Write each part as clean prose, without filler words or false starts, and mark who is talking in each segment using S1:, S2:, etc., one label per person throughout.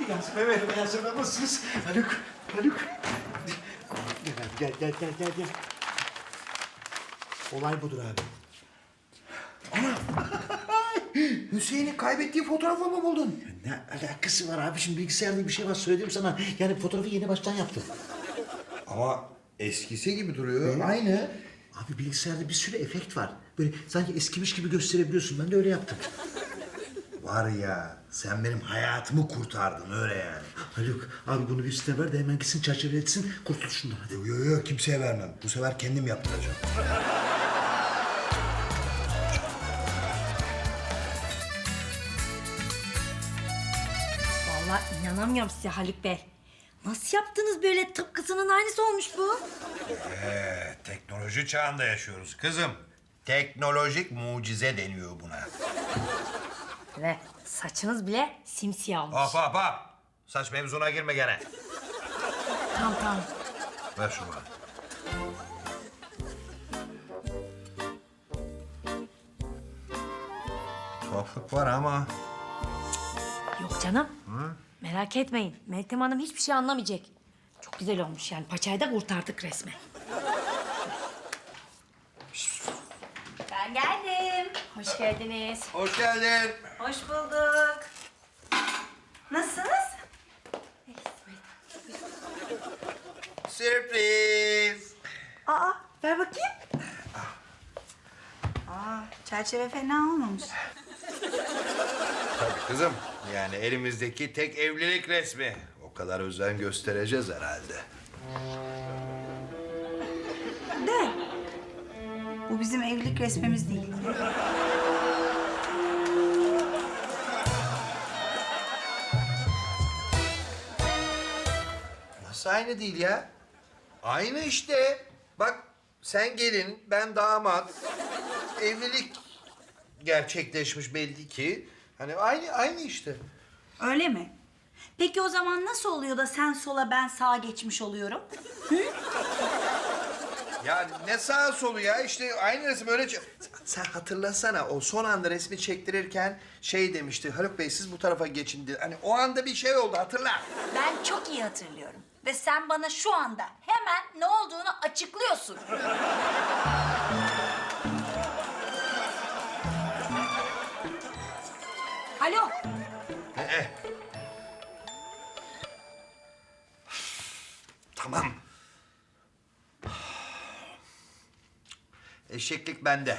S1: Yasemin Bey, Yasemin nasılsınız? Haluk. Gel. Olay budur abi.
S2: Hüseyin'in kaybettiği fotoğrafı mı buldun?
S1: Ne alakası var abi? Şimdi bilgisayarda bir şey var söyledim sana. Yani fotoğrafı yeni baştan yaptım.
S2: Ama eskisi gibi duruyor. Aynı.
S1: Abi bilgisayarda bir sürü efekt var. Böyle sanki eskimiş gibi gösterebiliyorsun. Ben de öyle yaptım.
S2: Var ya, sen benim hayatımı kurtardın öyle yani.
S1: Haluk abi bunu bir üstüne ver de hemen gitsin çerçeveletsin. Kurtul şundan hadi.
S2: Yok, kimseye vermem. Bu sefer kendim yaptıracağım.
S3: Vallahi inanamıyorum size Haluk Bey. Nasıl yaptınız böyle tıpkısının aynısı olmuş bu?
S2: Teknoloji çağında yaşıyoruz kızım. Teknolojik mucize deniyor buna.
S3: Ve saçınız bile simsiyah olmuş.
S2: Hop. Saç mevzuna girme gene.
S3: Tamam.
S2: Ver şunu bana. Tuhaflık var ama...
S3: Yok canım. Merak etmeyin. Meltem Hanım hiçbir şey anlamayacak. Çok güzel olmuş yani. Paçayı da kurtardık resmen. Ben geldim. Hoş geldiniz.
S2: Hoş geldin.
S3: Hoş bulduk. Nasılsınız?
S2: Sürpriz.
S4: Aa, ver bakayım. Çerçeve fena olmamış.
S2: Tabii kızım. Yani elimizdeki tek evlilik resmi. O kadar özen göstereceğiz herhalde.
S4: De. Bu bizim evlilik resmimiz değil.
S2: Nasıl aynı değil ya? Aynı işte. Bak sen gelin, ben damat. Evlilik gerçekleşmiş belli ki. Hani aynı işte.
S4: Öyle mi? Peki o zaman nasıl oluyor da sen sola ben sağa geçmiş oluyorum?
S2: Ya ne sağa solu ya işte aynı resim öyle... Sen hatırlasana o son anda resmi çektirirken şey demişti. Haluk Bey siz bu tarafa geçin diye. Hani o anda bir şey oldu hatırla.
S4: Ben çok iyi hatırlıyorum. Ve sen bana şu anda hemen ne olduğunu açıklıyorsun. Alo.
S2: Tamam. Eşeklik bende.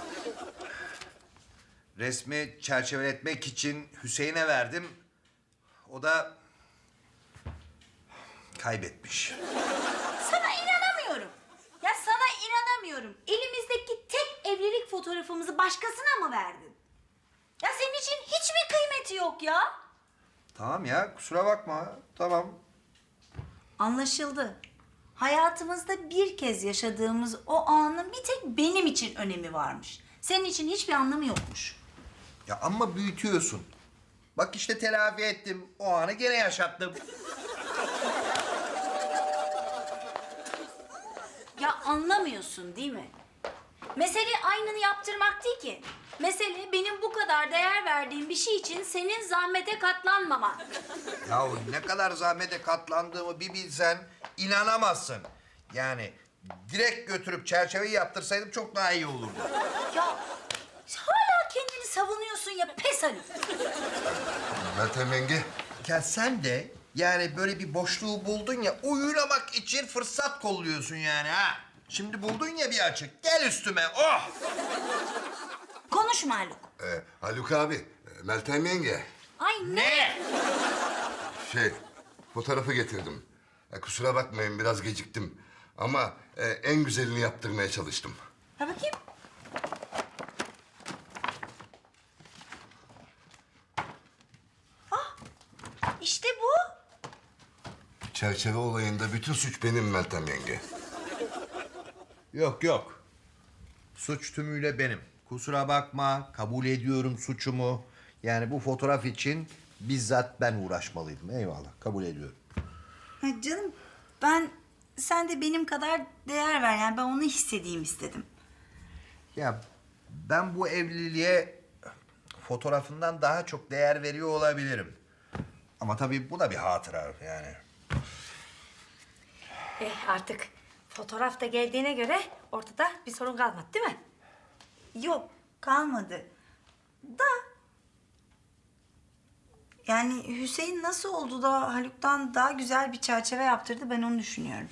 S2: Resmi çerçeveletmek için Hüseyin'e verdim. O da kaybetmiş.
S4: Sana inanamıyorum. Ya sana inanamıyorum. Elimizdeki tek evlilik fotoğrafımızı başkasına mı verdin? Ya senin için hiç mi kıymeti yok ya?
S2: Tamam ya kusura bakma. Tamam.
S4: Anlaşıldı. Hayatımızda bir kez yaşadığımız o anın bir tek benim için önemi varmış. Senin için hiçbir anlamı yokmuş.
S2: Ya ama büyütüyorsun. Bak işte telafi ettim. O anı gene yaşattım.
S4: Ya anlamıyorsun değil mi? Mesele aynını yaptırmak değil ki. Mesele benim bu kadar değer verdiğim bir şey için senin zahmete katlanmaman.
S2: Ya ne kadar zahmete katlandığımı bir bilsen inanamazsın. Yani direkt götürüp çerçeveyi yaptırsaydım çok daha iyi olurdu.
S4: Ya hala kendini savunuyorsun ya pes Haluk.
S2: Meltem yenge. Ya sen de yani böyle bir boşluğu buldun ya uyulamak için fırsat kolluyorsun yani ha. Şimdi buldun ya bir açık. Gel üstüme. Oh!
S4: Konuşma Haluk.
S5: Haluk abi, Meltem yenge.
S4: Ay ne?
S5: Fotoğrafı getirdim. Kusura bakmayın biraz geciktim. Ama en güzelini yaptırmaya çalıştım.
S4: Ha bakayım. İşte bu.
S5: Çerçeve olayında bütün suç benim Meltem yenge.
S2: Yok. Suç tümüyle benim. Kusura bakma, kabul ediyorum suçumu. Yani bu fotoğraf için bizzat ben uğraşmalıydım. Eyvallah, kabul ediyorum.
S4: Ha canım sen de benim kadar değer ver yani ben onu hissedeyim istedim.
S2: Ya ben bu evliliğe fotoğrafından daha çok değer veriyor olabilirim. Ama tabii bu da bir hatıra yani.
S3: Artık fotoğraf da geldiğine göre ortada bir sorun kalmadı değil mi?
S4: Yok, kalmadı. Da... Yani Hüseyin nasıl oldu da Haluk'tan daha güzel bir çerçeve yaptırdı, ben onu düşünüyorum.